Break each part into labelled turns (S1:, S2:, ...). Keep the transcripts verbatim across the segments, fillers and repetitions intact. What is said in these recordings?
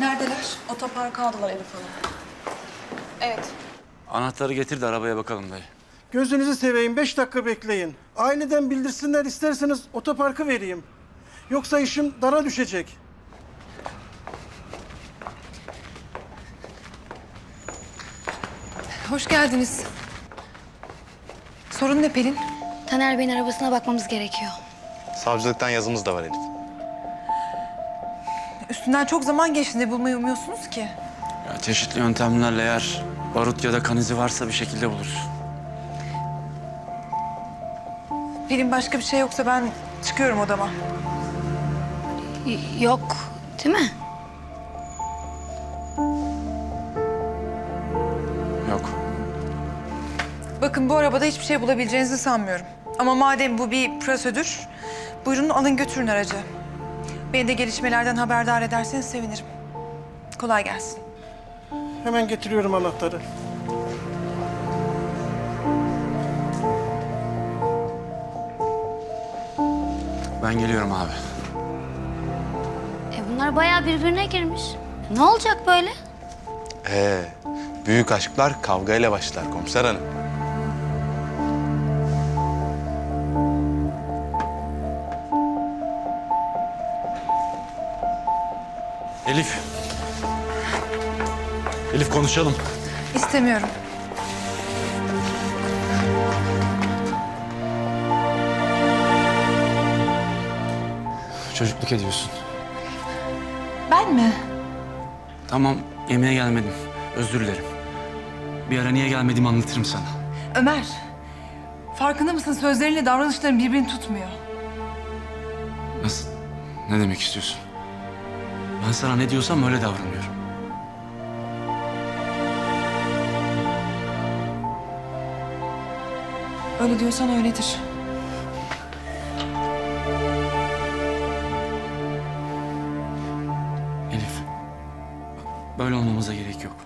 S1: Neredeler? Otoparka aldılar Elif Hanım. Evet.
S2: Anahtarı getir de arabaya bakalım dayı.
S3: Gözünüzü seveyim, beş dakika bekleyin. Aileden bildirsinler, isterseniz otoparkı vereyim. Yoksa işim dara düşecek.
S1: Hoş geldiniz. Sorun ne Pelin?
S4: Taner Bey'in arabasına bakmamız gerekiyor.
S5: Savcılıktan yazımız da var Elif.
S1: Üstünden çok zaman geçti. Ne bulmayı umuyorsunuz ki?
S2: Ya çeşitli yöntemlerle eğer barut ya da kan izi varsa bir şekilde buluruz.
S1: Pelin başka bir şey yoksa ben çıkıyorum odama.
S4: Y- yok, değil mi?
S2: Yok.
S1: Bakın bu arabada hiçbir şey bulabileceğinizi sanmıyorum. Ama madem bu bir prosedür, buyurun alın götürün aracı. Beni de gelişmelerden haberdar ederseniz sevinirim. Kolay gelsin.
S3: Hemen getiriyorum anahtarı.
S2: Ben geliyorum abi.
S4: E bunlar bayağı birbirine girmiş. Ne olacak böyle?
S5: Ee, büyük aşklar kavgayla başlar komiser hanım.
S2: Elif. Elif konuşalım.
S1: İstemiyorum.
S2: Çocukluk ediyorsun.
S1: Ben mi?
S2: Tamam, yemeğe gelmedim. Özür dilerim. Bir ara niye gelmediğimi anlatırım sana.
S1: Ömer, farkında mısın sözlerinle davranışların birbirini tutmuyor.
S2: Nasıl? Ne demek istiyorsun? Ben sana ne diyorsam öyle davranıyorum.
S1: Öyle diyorsan öyledir.
S2: Elif, bak, böyle olmamıza gerek yok.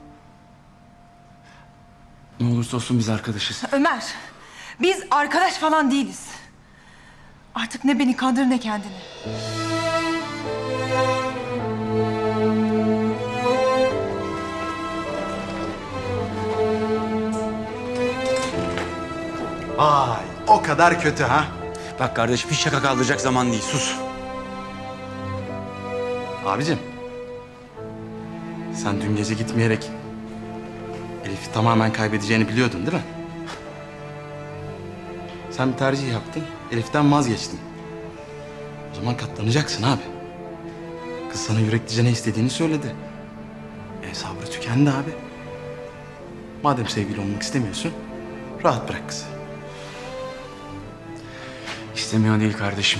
S2: Ne olursa olsun biz arkadaşız.
S1: Ömer, biz arkadaş falan değiliz. Artık ne beni kandır ne kendini.
S5: Vay, o kadar kötü ha.
S2: Bak kardeşim, hiç şaka kaldıracak zaman değil. Sus.
S5: Abicim, sen dün gece gitmeyerek Elif'i tamamen kaybedeceğini biliyordun değil mi? Sen bir tercih yaptın, Elif'ten vazgeçtin. O zaman katlanacaksın abi. Kız sana yüreklice ne istediğini söyledi. E sabrı tükendi abi. Madem sevgili olmak istemiyorsun, rahat bırak kızı.
S2: İstemiyor değil kardeşim.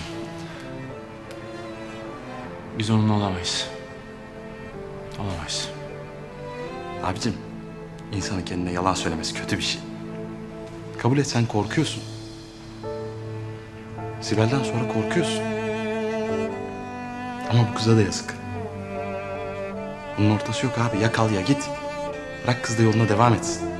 S2: Biz onunla olamayız. Olamayız.
S5: Abicim, insanın kendine yalan söylemesi kötü bir şey. Kabul et, sen korkuyorsun. Sibel'den sonra korkuyorsun. Ama bu kıza da yazık. Bunun ortası yok abi. Ya kal ya git. Bırak kız da yoluna devam etsin.